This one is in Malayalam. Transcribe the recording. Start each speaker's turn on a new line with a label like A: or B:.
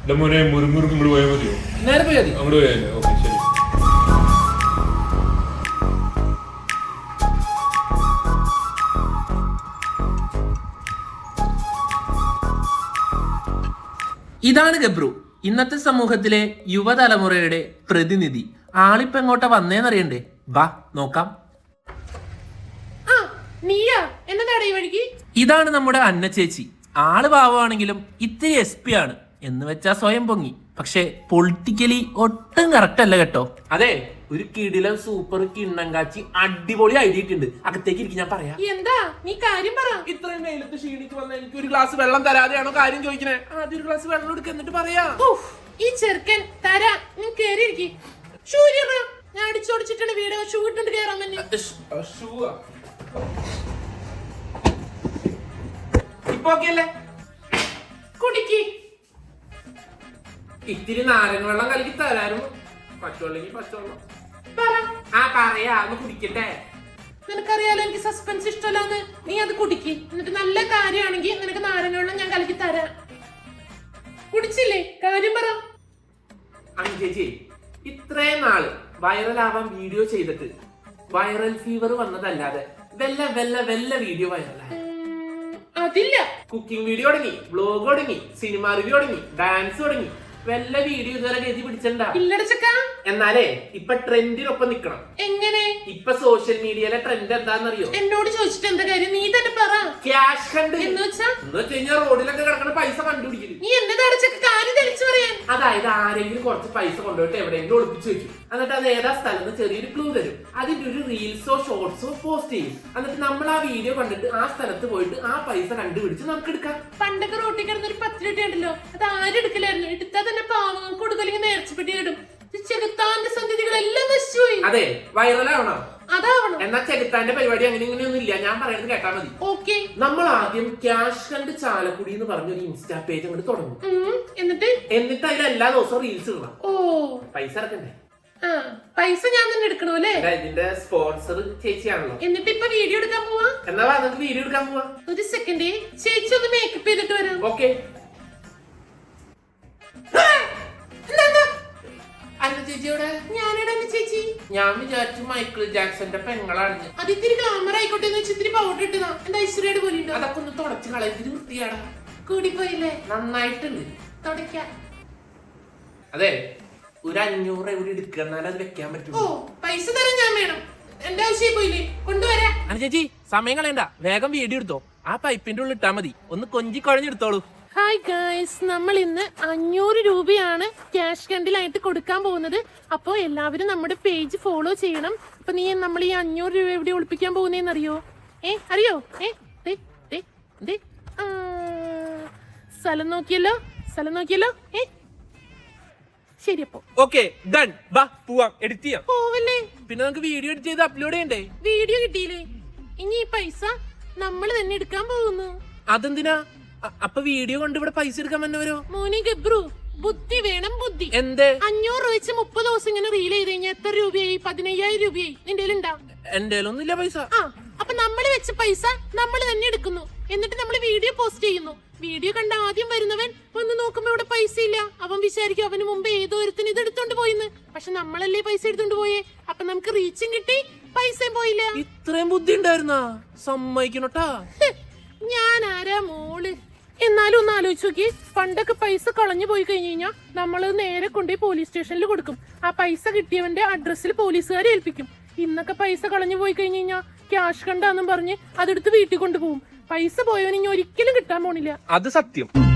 A: മോനെ മുറുമുറുക്ക് ഇങ്ങോട്ട് പോയാൽ മതിയോ?
B: നേരെ പോയാൽ മതി.
A: അങ്ങോട്ട് പോയാലേ? ഓക്കെ ശരി.
B: ഇതാണ് ഗബ്രു, ഇന്നത്തെ സമൂഹത്തിലെ യുവതലമുറയുടെ പ്രതിനിധി. ആളിപ്പോ എങ്ങോട്ടാ വന്നേന്നറിയണ്ടേ? ബാ നോക്കാം. ഇതാണ് നമ്മുടെ അന്ന ചേച്ചി. ആള് പാവമാണെങ്കിലും ഇത്തിരി SP ആണ് എന്ന് വെച്ചാ സ്വയം പൊങ്ങി. പക്ഷെ പൊളിറ്റിക്കലി ഒട്ടും കറക്റ്റ് അല്ല കേട്ടോ. അതെ, ഒരു കിടിലൻ സൂപ്പർ കിണ്ണം കാച്ചി അടിപൊളി ഐഡിയ ഇട്ടുണ്ട്. അകത്തേക്ക് ഇരിക്കും, ഞാൻ പറയാം.
C: എന്താ നീ കാര്യം പറ.
B: ഇത്രയും വെയിലത്ത് ക്ഷീണിച്ച് വന്ന എനിക്ക് ഒരു ഗ്ലാസ് വെള്ളം തരാതെയാണോ കാര്യം ചോദിക്കണേ? ആദ്യം ഒരു ഗ്ലാസ് വെള്ളം എടുക്ക, എന്നിട്ട് പറയാ.
C: ഈ ചെറുക്കൻ തരാ, നീ കേറിയിരിക്കി. ഞാൻ അടിച്ചോടിച്ചിട്ടാണ് വീട് ഷൂ ഇട്ടുണ്ട് കേറാൻ തന്നെ.
B: ഇപ്പൊ ഓക്കെയല്ലേ?
C: കുടിക്ക്.
B: ഇത്തിരി നാരങ്ങ വെള്ളം കലക്കി തരാനും പച്ചവെള്ളെങ്കിൽ പച്ചവെള്ളം. പറയാ, ഒന്ന് കുടിക്കട്ടെ.
C: നിനക്കറിയാലോ എനിക്ക് സസ്പെൻസ് ഇഷ്ടമല്ലാന്ന്. നീ അത് കുടിക്ക്, എന്നിട്ട് നല്ല കാര്യമാണെങ്കിൽ നിനക്ക് നാരങ്ങ വെള്ളം ഞാൻ കലക്കി തരാം. കുടിച്ചില്ലേ? കാര്യം പറ.
B: ചേച്ചി, ഇത്രയും നാള് വൈറലാവാൻ വീഡിയോ ചെയ്തിട്ട് വൈറൽ ഫീവർ വന്നതല്ലാതെ വെല്ല വീഡിയോ വൈറലായി
C: അതില്ല.
B: കുക്കിംഗ് വീഡിയോ തുടങ്ങി, വ്ലോഗ് തുടങ്ങി, സിനിമ റിവ്യൂ തുടങ്ങി, ഡാൻസ് തുടങ്ങി. വല്ല വീഡിയോ ഇതുവരെ ഗതി പിടിച്ചിട്ടുണ്ടാ? എന്നാലേ ഇപ്പൊ ട്രെൻഡിനൊപ്പം നിക്കണം.
C: എങ്ങനെ?
B: ഇപ്പൊ സോഷ്യൽ മീഡിയയിലെ ട്രെൻഡ് എന്താണെന്നറിയോ?
C: എന്നോട് ചോദിച്ചിട്ട് എന്താ കാര്യം? നീ തന്നെ പറ.
B: ക്യാഷ് കണ്ട്
C: എന്ന്
B: വെച്ചാൽ റോഡിലൊക്കെ കിടക്കുന്ന പൈസ കണ്ടുപിടിക്കുന്നു.
C: നീ എന്നെ അടച്ചൊക്കെ കാര്യം തെളിച്ചു പറയാൻ.
B: അതായത് ആരെങ്കിലും കുറച്ച് പൈസ കൊണ്ടുപോയിട്ട് എവിടെയെങ്കിലും ഒളിപ്പിച്ചു വെക്കും. എന്നിട്ട് അത് ഏതാ സ്ഥലത്ത് ചെറിയൊരു ക്ലൂ തരും. അതിന്റെ ഒരു റീൽസോ ഷോർട്സോ പോസ്റ്റ് ചെയ്യും. എന്നിട്ട് നമ്മൾ ആ വീഡിയോ കണ്ടിട്ട് ആ സ്ഥലത്ത് പോയിട്ട് ആ പൈസ കണ്ടുപിടിച്ച് നമുക്ക് എടുക്കാം.
C: പണ്ടൊക്കെ റോട്ടിൽ കിടന്ന ഒരു 10 രൂപ ഉണ്ടല്ലോ, അത് ആരും എടുക്കലായിരുന്നു. എടുത്താൽ തന്നെ പാവങ്ങൾക്ക് കൊടുക്കല്ലെങ്കിൽ നേർച്ചപ്പെട്ടി ഇടും. ചെകുത്താന്റെ സന്ധ്യകളെല്ലാം നശിച്ചുപോയി.
B: അതെ, വൈറലാവണം.
C: അതാവണം.
B: എന്നാ ചെകുത്താന്റെ പരിപാടി അങ്ങനെ ഇങ്ങനെയൊന്നും ഇല്ല. ഞാൻ പറയുന്നത് കേട്ടാ മതി.
C: ഓക്കെ.
B: നമ്മൾ ആദ്യം ക്യാഷ് കണ്ട് ചാലക്കുടി എന്ന് പറഞ്ഞൊരു ഇൻസ്റ്റാ പേജ് അങ്ങോട്ട് തുടങ്ങും. എന്നിട്ട് അതിൽ എല്ലാ ദിവസവും റീൽസ് ഇടണം. പൈസ ഇറക്കണ്ടേ?
C: പൈസ ഞാൻ തന്നെ എടുക്കണോ അല്ലേ?
B: ഇതിന്റെ സ്പോൺസർ ചേച്ചിയാണല്ലോ.
C: എന്നിട്ട് ഇപ്പൊ വീഡിയോ എടുക്കാൻ പോവാ.
B: എന്നാ നമുക്ക് വീഡിയോ എടുക്കാൻ പോവാ.
C: ഒരു സെക്കൻഡ്, ചേച്ചി ഒന്ന് മേക്കപ്പ് ചെയ്തിട്ട് വരാം.
B: ഓക്കെ. അന്ന ചേച്ചിയോടെ?
C: ഞാനിവിടെ അന്ന ചേച്ചി.
B: ഞാൻ വിചാരിച്ചു മൈക്കിൾ ജാക്സന്റെ പെങ്ങളാണ്.
C: അത് ഇത്തിരി ഗ്ലാമർ ആയിക്കോട്ടെ എന്ന് വെച്ച് ഇത്തിരി പൗഡർ ഇട്ടതാ. എന്താ ഐശ്വര്യയുടെ പോലെ ഉണ്ടോ?
B: അതൊക്കെ ഒന്ന് തുടച്ച് കളയത്തിരി വൃത്തിയാടാ.
C: കൂടിപ്പോയില്ലേ?
B: നന്നായിട്ടുണ്ട്.
C: തുടയ്ക്കാം.
B: അതെ, ഒരു 500 എവിടെ എടുക്കണാലും അത് വെക്കാൻ പറ്റും.
C: പൈസ തരാൻ ഞാൻ വേണം. എന്റെ ആവശ്യം പോയില്ലേ? കൊണ്ടുവരാ.
B: അന ചേച്ചി, സമയം കളയണ്ട, വേഗം വീഡിയോ എടുത്തോ. ആ പൈപ്പിന്റെ ഉള്ളിൽ ഇട്ടാ മതി. ഒന്ന് കൊഞ്ചി കുഴഞ്ഞെടുത്തോളൂ.
C: ഹായ് ഗായ്സ്, നമ്മൾ ഇന്ന് 500 രൂപയാണ് ക്യാഷ് കണ്ടിലായിട്ട് കൊടുക്കാൻ പോകുന്നത്. അപ്പോൾ എല്ലാവരും നമ്മുടെ പേജ് ഫോളോ ചെയ്യണം. അപ്പൊ നമ്മൾ ഈ 500 രൂപ എവിടെ ഒളിപ്പിക്കാൻ പോകുന്നതെന്ന് അറിയോ? അറിയോ? സ്ഥലം നോക്കിയല്ലോ. ശരി, അപ്പൊ
B: ഓക്കെ, ഡൺ. ബാ പോവാം, എഡിറ്റ് ചെയ്യാം.
C: പോവല്ലേ?
B: പിന്നെ നമുക്ക് വീഡിയോ എഡിറ്റ് ചെയ്ത് അപ്ലോഡ് ചെയ്യണ്ടേ?
C: വീഡിയോ കിട്ടിയില്ലേ? ഇനി ഈ പൈസ നമ്മൾ തന്നെ എടുക്കാൻ പോകുന്നു.
B: അതെന്തിനാ? അപ്പൊ വീഡിയോ കൊണ്ട് ഇവിടെ പൈസ എടുക്കാൻ വന്നവരോ?
C: മോനെ ഗബ്രു, ബുദ്ധി വേണം, ബുദ്ധി.
B: എന്ത്?
C: 500 രൂപ വെച്ച് 30 ദിവസം ഇങ്ങനെ റീൽ ചെയ്ത് കഴിഞ്ഞാൽ എത്ര രൂപയായി? 15,000 രൂപയായി. നിന്റെ ഉണ്ടാ?
B: എന്റെ ഒന്നുമില്ല പൈസ.
C: അപ്പൊ നമ്മൾ വെച്ച പൈസ നമ്മൾ തന്നെ എടുക്കുന്നു. എന്നിട്ട് നമ്മൾ വീഡിയോ പോസ്റ്റ് ചെയ്യുന്നു. വീഡിയോ കണ്ട ആദ്യം വരുന്നവൻ വന്ന് നോക്കുമ്പോ ഇവിടെ പൈസ ഇല്ല. അവൻ വിചാരിക്കും അവന് മുമ്പ് ഏതോ ഒരുത്തിന് ഇത് എടുത്തോണ്ട് പോയിന്ന്. പക്ഷെ നമ്മളല്ലേ പൈസ എടുത്തോണ്ട് പോയേ. അപ്പൊ നമുക്ക് റീച്ചും കിട്ടി, പൈസയും പോയില്ല.
B: ഇത്രയും ബുദ്ധി ഉണ്ടായിരുന്നാ? സമ്മതിക്കണോട്ടാ.
C: ഞാൻ ആരാ മോള്? എന്നാലും ഒന്ന് ആലോചിച്ച് നോക്കി. പണ്ടൊക്കെ പൈസ കളഞ്ഞു പോയി കഴിഞ്ഞു കഴിഞ്ഞാൽ നമ്മൾ നേരെ കൊണ്ടുപോയി പോലീസ് സ്റ്റേഷനിൽ കൊടുക്കും. ആ പൈസ കിട്ടിയവന്റെ അഡ്രസ്സിൽ പോലീസുകാരെ ഏൽപ്പിക്കും. ഇന്നൊക്കെ പൈസ കളഞ്ഞു പോയി കഴിഞ്ഞു കഴിഞ്ഞാൽ ക്യാഷ് കണ്ടാന്നും പറഞ്ഞ് അതെടുത്ത് വീട്ടിൽ കൊണ്ടുപോകും. പൈസ പോയവന് ഇനി ഒരിക്കലും കിട്ടാൻ പോണില്ല.
B: അത് സത്യം.